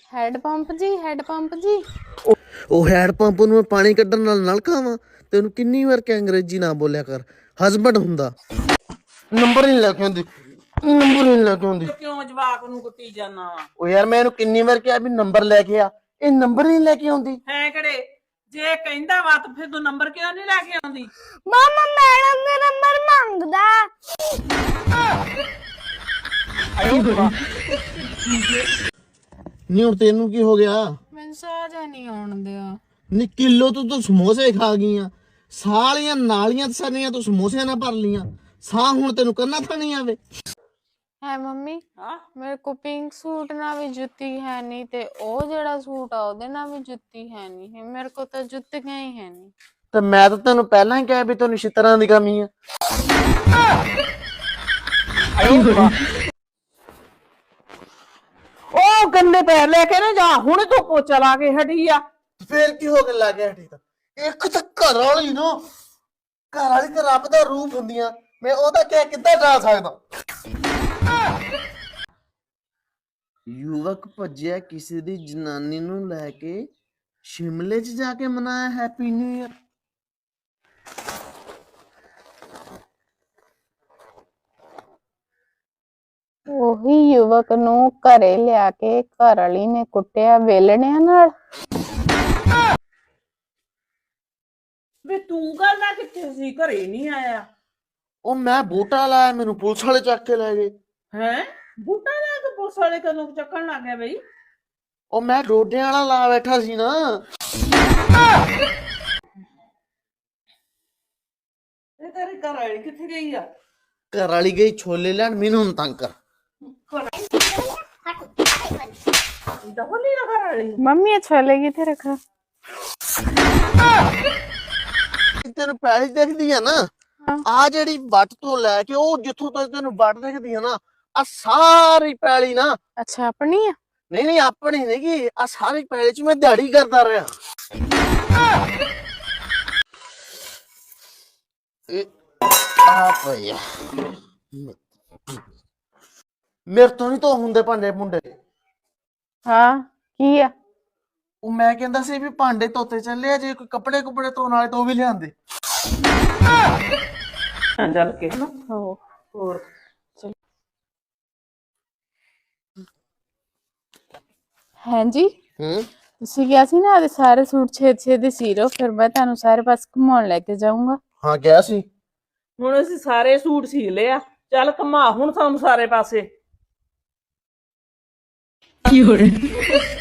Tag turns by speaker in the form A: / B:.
A: Head pump ਜੀ, head pump ਜੀ।
B: ਉਹ ਹੈਡ ਪੰਪ ਨੂੰ ਪਾਣੀ ਕੱਢਣ ਨਾਲ ਨਲਕਾ ਵਾ। ਤੈਨੂੰ ਕਿੰਨੀ ਵਾਰ ਕਿ ਅੰਗਰੇਜ਼ੀ ਨਾ ਬੋਲਿਆ ਕਰ। ਹਸਬੈਂਡ ਹੁੰਦਾ। ਨੰਬਰ ਨਹੀਂ ਲੈ ਕੇ ਆਉਂਦੀ, ਨੰਬਰ ਨਹੀਂ ਲੈ ਕੇ ਆਉਂਦੀ।
C: ਕਿਉਂ ਜਵਾਕ ਨੂੰ ਕੁੱਟੀ ਜਾਣਾ ਵਾ?
B: ਉਹ ਯਾਰ ਮੈਂ ਇਹਨੂੰ ਕਿੰਨੀ ਵਾਰ ਕਿਹਾ ਵੀ ਨੰਬਰ ਲੈ ਕੇ ਆ, ਇਹ ਨੰਬਰ ਨਹੀਂ ਲੈ ਕੇ ਆਉਂਦੀ।
C: ਹੈ ਕਿਹੜੇ ਜੇ ਕਹਿੰਦਾ ਵਾ ਤਾਂ ਫਿਰ ਤੂੰ ਨੰਬਰ ਕਿਉਂ ਨਹੀਂ ਲੈ ਕੇ ਆਉਂਦੀ?
A: ਮਾਮਾ ਮੈਡਮ ਦੇ ਨੰਬਰ ਮੰਗਦਾ।
B: ਨਹੀਂ ਹੁਣ ਤੈਨੂੰ ਕੀ ਹੋ ਗਿਆ?
A: ਮੈਨੂੰ ਸਾਹ ਨਹੀਂ ਆਉਣ ਦਿਆ।
B: ਨੀ ਕਿਲੋ ਤੂੰ ਸਮੋਸੇ ਖਾ ਗਈਆਂ ਸਾਲੀਆਂ ਨਾਲੀਆਂ ਸਾਰੀਆਂ ਤੂੰ ਸਮੋਸਿਆਂ ਨਾਲ ਭਰ ਲੀਆਂ। ਸਾਹ ਹੁਣ ਤੈਨੂੰ ਕਰਨਾ ਥਾਣੀ ਆਵੇ।
A: ਹੈ ਮੰਮੀ,
C: ਹਾਂ
A: ਮੇਰੇ ਕੋ ਪਿੰਕ ਸੂਟ ਨਾਲ ਵੀ ਜੁੱਤੀ ਹੈ ਨਹੀਂ ਤੇ ਉਹ ਜਿਹੜਾ ਸੂਟ ਆ ਉਹਦੇ ਨਾਲ ਵੀ ਜੁੱਤੀ ਹੈ ਨਹੀਂ। ਮੇਰੇ ਕੋ ਤਾਂ ਜੁੱਤੀਆਂ ਹੀ ਹੈ ਨਹੀਂ।
B: ਤੇ ਮੈਂ ਤਾਂ ਤੈਨੂੰ ਪਹਿਲਾਂ ਹੀ ਕਿਹਾ ਵੀ ਤੈਨੂੰ ਛਿੱਤਰਾਂ ਦੀ ਕਮੀ ਆ।
C: ਉਹ ਗੰਦੇ ਪੈਰ ਲੈ ਕੇ ਨਾ ਜਾ, ਹੁਣ ਤੂੰ ਪੋਚਾ ਲਾ ਕੇ ਹਟੀ ਆ।
B: ਫੇਰ ਕੀ ਹੋ ਕੇ ਲੱਗ ਗਿਆ ਠੀਕ ਤਾਂ ਇੱਕ ਤਾਂ ਘਰ ਵਾਲੀ ਨਾ, ਘਰ ਵਾਲੀ ਤੇ ਰੱਬ ਦਾ ਰੂਪ ਹੁੰਦੀਆਂ। ਮੈਂ ਉਹਦਾ ਕਹਿ ਕਿੱਦਾਂ ਜਾ ਸਕਦਾ। ਯੁਵਕ ਭੱਜਿਆ ਕਿਸੇ ਦੀ ਜਨਾਨੀ ਨੂੰ ਲੈ ਕੇ ਸ਼ਿਮਲੇ 'ਚ ਜਾ ਕੇ ਮਨਾਇਆ ਹੈਪੀ ਨਿਊ ਈਅਰ।
A: ਉਹੀ ਯੁਵਕ ਨੂੰ ਘਰੇ ਲਿਆ ਕੇ ਘਰ ਵਾਲੀ ਨੇ ਕੁੱਟਿਆ ਵੇਲਣਿਆਂ ਨਾਲ।
C: ਵੇ ਤੂੰ ਕਰਨਾ ਕਿੱਥੇ ਸੀ? ਘਰੇ ਨਹੀਂ ਆਇਆ।
B: ਉਹ ਮੈਂ ਬੂਟਾ ਲਾਇਆ, ਮੈਨੂੰ ਪੁਲਿਸ ਵਾਲੇ ਚੱਕ ਕੇ ਲੈ ਗਏ।
C: ਹੈ ਬੂਟਾ ਲੈ ਕੇ ਪੁਲਿਸ ਵਾਲੇ ਕਦੋਂ ਚੱਕਣ ਲੱਗ ਗਿਆ ਬਈ?
B: ਉਹ ਮੈਂ ਡੋਡਿਆਂ ਵਾਲਾ ਲਾ ਬੈਠਾ ਸੀ ਨਾ।
C: ਇਹ ਤੇਰੇ ਘਰ ਵਾਲੀ ਕਿੱਥੇ ਗਈ ਆ?
B: ਘਰ ਵਾਲੀ ਗਈ ਛੋਲੇ ਲੈਣ, ਮੈਨੂੰ ਹੁਣ ਤੰਗ ਕਰ।
C: ਦਫਲੀ ਨਾ ਘਰ ਵਾਲੀ।
A: ਮੰਮੀ ਅੱਛਾ ਲੱਗੀ ਤੇ ਰੱਖਾ।
B: ਤੈਨੂੰ ਪੈਲੀ ਦਿਖਦੀ ਆ ਨਾ, ਆ ਜਿਹੜੀ ਵੱਟ ਤੋਂ ਲੈ ਕੇ ਉਹ ਜਿੱਥੋਂ ਤੱਕ ਤੈਨੂੰ ਵੱਟ ਦਿਖਦੀ ਆ ਨਾ, ਆ ਸਾਰੀ ਪੈਲੀ ਨਾ।
A: ਅੱਛਾ ਆਪਣੀ ਆ?
B: ਨਹੀਂ ਨਹੀਂ ਆਪਣੀ ਨਹੀਂ, ਆ ਸਾਰੀ ਪੈਲੀ 'ਚ ਮੈਂ ਦਿਹਾੜੀ ਕਰਦਾ ਰਿਹਾ। ਆ ਭਈਆ ਮੇਰੇ ਤੋਂ ਨਹੀਂ ਧੋ ਹੁੰਦੇ ਭਾਂਡੇ ਭੁੰਡੇ।
A: ਹਾਂ ਕੀ ਆ?
B: ਉਹ ਮੈਂ ਕਹਿੰਦਾ ਸੀ ਵੀ ਭਾਂਡੇ ਧੋਤੇ ਚੱਲੇ ਆ, ਜੇ ਕੋਈ ਕੱਪੜੇ ਕੁਪੜੇ ਧੋਣ ਵਾਲੇ ਤਾਂ ਉਹ ਵੀ ਲਿਆਂਦੇ।
C: ਚੱਲ ਕੇ
A: ਹੋ
C: ਹੋਰ
A: ਹਾਂਜੀ,
B: ਹੂੰ
A: ਤੁਸੀਂ ਕਿਹਾ ਸੀ ਨਾ ਆਦੇ ਸਾਰੇ ਸੂਟ ਛੇਤੀ ਸੀ ਲਓ, ਫਿਰ ਮੈਂ ਤੁਹਾਨੂੰ ਸਾਰੇ ਪਾਸੇ ਘੁਮਾਉਣ ਲੈ ਕੇ ਜਾਊਂਗਾ।
B: ਹਾਂ ਕਿਹਾ ਸੀ।
C: ਹੁਣ ਅਸੀਂ ਸਾਰੇ ਸੂਟ ਸੀ ਲਿਆ, ਚੱਲ ਘੁਮਾ ਹੁਣ ਸਾਨੂੰ ਸਾਰੇ ਪਾਸੇ।